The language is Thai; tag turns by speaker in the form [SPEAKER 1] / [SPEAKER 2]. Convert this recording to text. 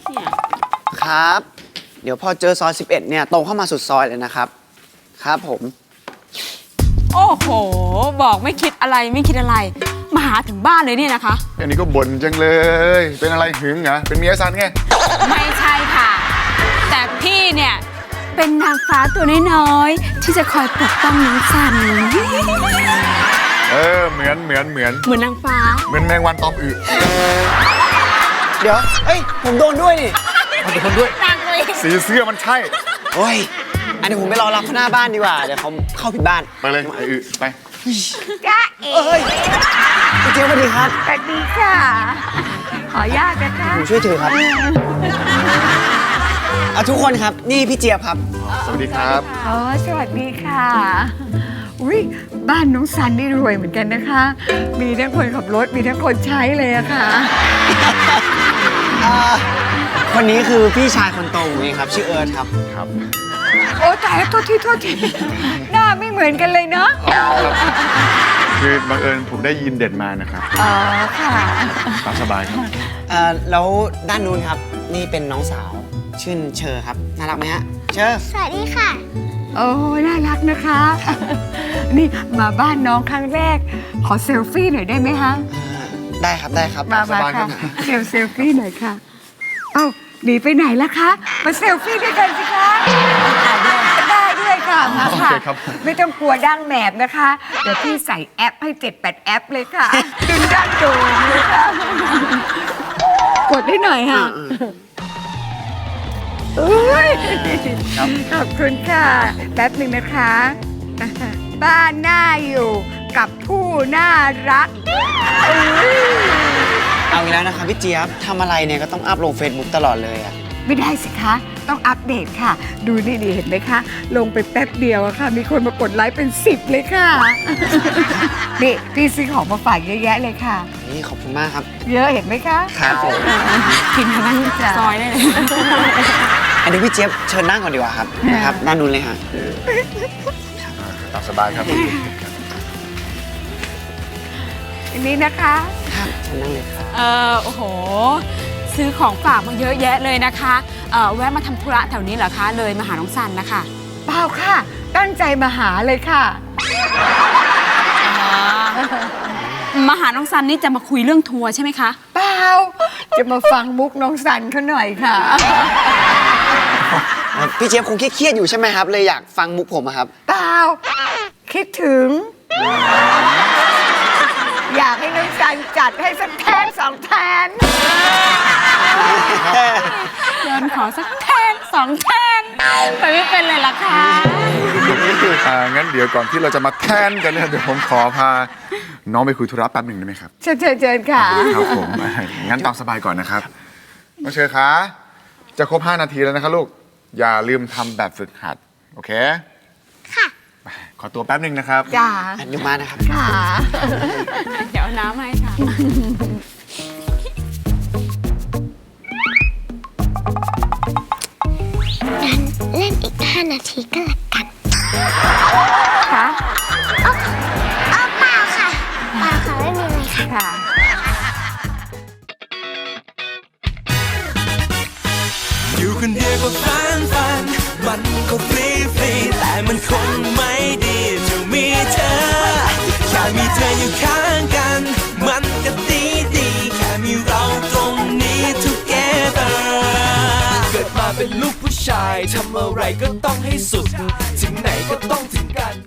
[SPEAKER 1] เนี่ย
[SPEAKER 2] ครับ เดี๋ยวพอเจอซอย 11 เนี่ยตรงเข้ามาสุดซอยเลยนะครับ ครับผม
[SPEAKER 1] โอ้โห บอกไม่คิดอะไรไม่คิดอะไร มาหาถึงบ้านเลยเนี่ยนะคะ
[SPEAKER 3] อันนี้ก็บ่นจังเลย เป็นอะไรหึงเหรอ เป็นเมียซันไง
[SPEAKER 1] ไม่ใช่ค่ะ แต่พี่เนี่ย เป็นนางฟ้าตัวน้อยๆที่จะคอยปกป้องน้องสัน
[SPEAKER 3] เหมือน
[SPEAKER 1] เหมือนนางฟ้า
[SPEAKER 3] เหมือนแมงวันตอมอึ
[SPEAKER 2] เดี๋ยว เอ้ย ผมโดนด้วยนี่
[SPEAKER 3] เอาแต่คนด้วย
[SPEAKER 1] นางเลย
[SPEAKER 3] สีเสื้อมันใช่
[SPEAKER 2] โอ้ย อันนี้ผมไปรอรับเขาหน้าบ้านดีกว่า เดี๋ยวเขาเข้าผิดบ้าน
[SPEAKER 3] ไปเลยไอ้อึไป
[SPEAKER 4] จ้าเอ๋
[SPEAKER 2] เอ้ยพี่เจี๊ยบสวัสดีครับ
[SPEAKER 4] สวัสดีค่ะ ขออนุญาตนะคะ
[SPEAKER 2] ผมช่วยถือครับเอาทุกคนครับ นี่พี่เจี๊ยบครับ
[SPEAKER 3] สวัสดีครับ
[SPEAKER 4] อ๋อ สวัสดีค่ะ อุ้ยบ้านน้องซันนี่รวยเหมือนกันนะคะ มีทั้งคนขับรถ มีทั้งคนใช้เลยอะค่ะ
[SPEAKER 2] คนนี้คือพี่ชายคนโตผมเองครับ ชื่อเอิร์ธครับ
[SPEAKER 3] ครับ
[SPEAKER 4] โอ้ตายแล้วโทษทีหน้าไม่เหมือนกันเลยเนาะ
[SPEAKER 3] คือบังเอิญผมได้ยินเด็ดมานะครับ
[SPEAKER 4] อ๋อค่ะ
[SPEAKER 3] ตามสบายครับ
[SPEAKER 2] แล้วด้านนู้นครับ นี่เป็นน้องสาว ชื่อเชอครับ น่ารักไหมฮะ เชอ
[SPEAKER 5] สวัสดีค่ะ
[SPEAKER 4] โอ้น่ารักนะคะ นี่มาบ้านน้องครั้งแรก ขอเซลฟี่หน่อยได้ไหมคะ
[SPEAKER 2] ได้ครับ ได้ครับ
[SPEAKER 4] มา
[SPEAKER 3] สบายครั
[SPEAKER 4] ค่ะ
[SPEAKER 3] บ
[SPEAKER 4] เซลฟี่หน่อยค่ะ เอ้าหนีไปไหนล่ะคะ มาเซลฟี่ด้วยกันสิคะได้ด้วยค่ะ มาค่ะ
[SPEAKER 3] โอเคครับ
[SPEAKER 4] ไม่ต้องกลัวดั้งแหนบนะคะ เดี๋ยวพี่ใส่แอปให้7-8แอปเลยค่ะ ดึงดั้งโดมเลยค่ะ กดให้หน่อยค่ะอุ้ยขอบคุณค่ะ แป๊บหนึ่งนะคะ บ้านน่าอยู่กับผู้น่ารักอุ๊ย
[SPEAKER 2] เอาอีกแล้วนะครับพี่เจี๊ยบทำอะไรเนี่ยก็ต้องอัพลง Facebook ตลอดเลยอะ
[SPEAKER 4] ไม่ได้สิคะ ต้องอัปเดตค่ะ ดูนี่ดีเห็นไหมคะ ลงไปแป๊บเดียวอะค่ะ มีคนมากดไลค์เป็น10เลยค่ะ นี่พี่ซื้อของมาฝากเยอะแยะเลยค่ะ
[SPEAKER 2] นี่ขอบคุณมากครับ
[SPEAKER 4] เยอะเห็นไหมคะ
[SPEAKER 2] ครับผม
[SPEAKER 1] กินทั้งซอยได้เลย
[SPEAKER 2] อันนี้พี่เจี๊ยบเชิญนั่งก่อนดีกว่าครับ นะครับ ด้านนู้นเลยฮะ
[SPEAKER 3] ตามสบายครับ
[SPEAKER 4] อันนี้นะคะ
[SPEAKER 2] ครับเชิญนั่งเลยครับ
[SPEAKER 1] โอ้โห ซื้อของฝากมาเยอะแยะเลยนะคะแวะมาทำธุระแถวนี้เหรอคะ เลยมาหาน้องสันนะคะ
[SPEAKER 4] เปล่าค่ะ ตั้งใจมาหาเลยค่ะ
[SPEAKER 1] มาหาน้องสันนี่จะมาคุยเรื่องทัวร์ใช่ไหมคะ
[SPEAKER 4] เปล่า จะมาฟังมุกน้องสันเขาหน่อยค่ะ
[SPEAKER 2] พี่เจี๊ยบคงเครียดๆอยู่ใช่ไหมครับ เลยอยากฟังมุกผมอะครับ
[SPEAKER 4] เปล่า คิดถึง อยากให้น้องสันจัดให้สักแทน2 แทน
[SPEAKER 1] เดินขอสักแทน2 แทนไปไม่เป็นเลยล่ะค่ะ
[SPEAKER 3] งั้นเดี๋ยวก่อนที่เราจะมาแทนกันเนี่ยเดี๋ยวผมขอพาน้องไปคุยธุระแป๊บหนึ่งได้ไหมครับ
[SPEAKER 4] เชิญค่ะ
[SPEAKER 3] ครับผม งั้นตามสบายก่อนนะครับ น้องเชอคะจะครบ5 นาทีแล้วนะครับลูก อย่าลืมทำแบบฝึกหัด โอเค
[SPEAKER 5] ค่ะ
[SPEAKER 3] ขอตัวแป๊บหนึ่งนะครับ
[SPEAKER 4] จ้า
[SPEAKER 2] อันนี้มานะครับ
[SPEAKER 4] ค่ะ
[SPEAKER 1] เดี๋ยวเอาน้ำให้ค่ะ
[SPEAKER 5] งั้นเล่นอีก5 นาทีก็แล้วกัน
[SPEAKER 4] ค่ะ
[SPEAKER 5] เปล่าค่ะเปล่าค่ะ ไม่มีอะไรค่ะ
[SPEAKER 4] ค่ะ
[SPEAKER 6] อยู่คนเดียวก็ฟันมันก็ฟรีแต่มันคงไม่ดีจะมีเธอ แค่มีเธออยู่ข้างกัน มันก็ดีแค่มีเราตรงนี้ together เกิดมาเป็นลูกผู้ชายทำอะไรก็ต้องให้สุด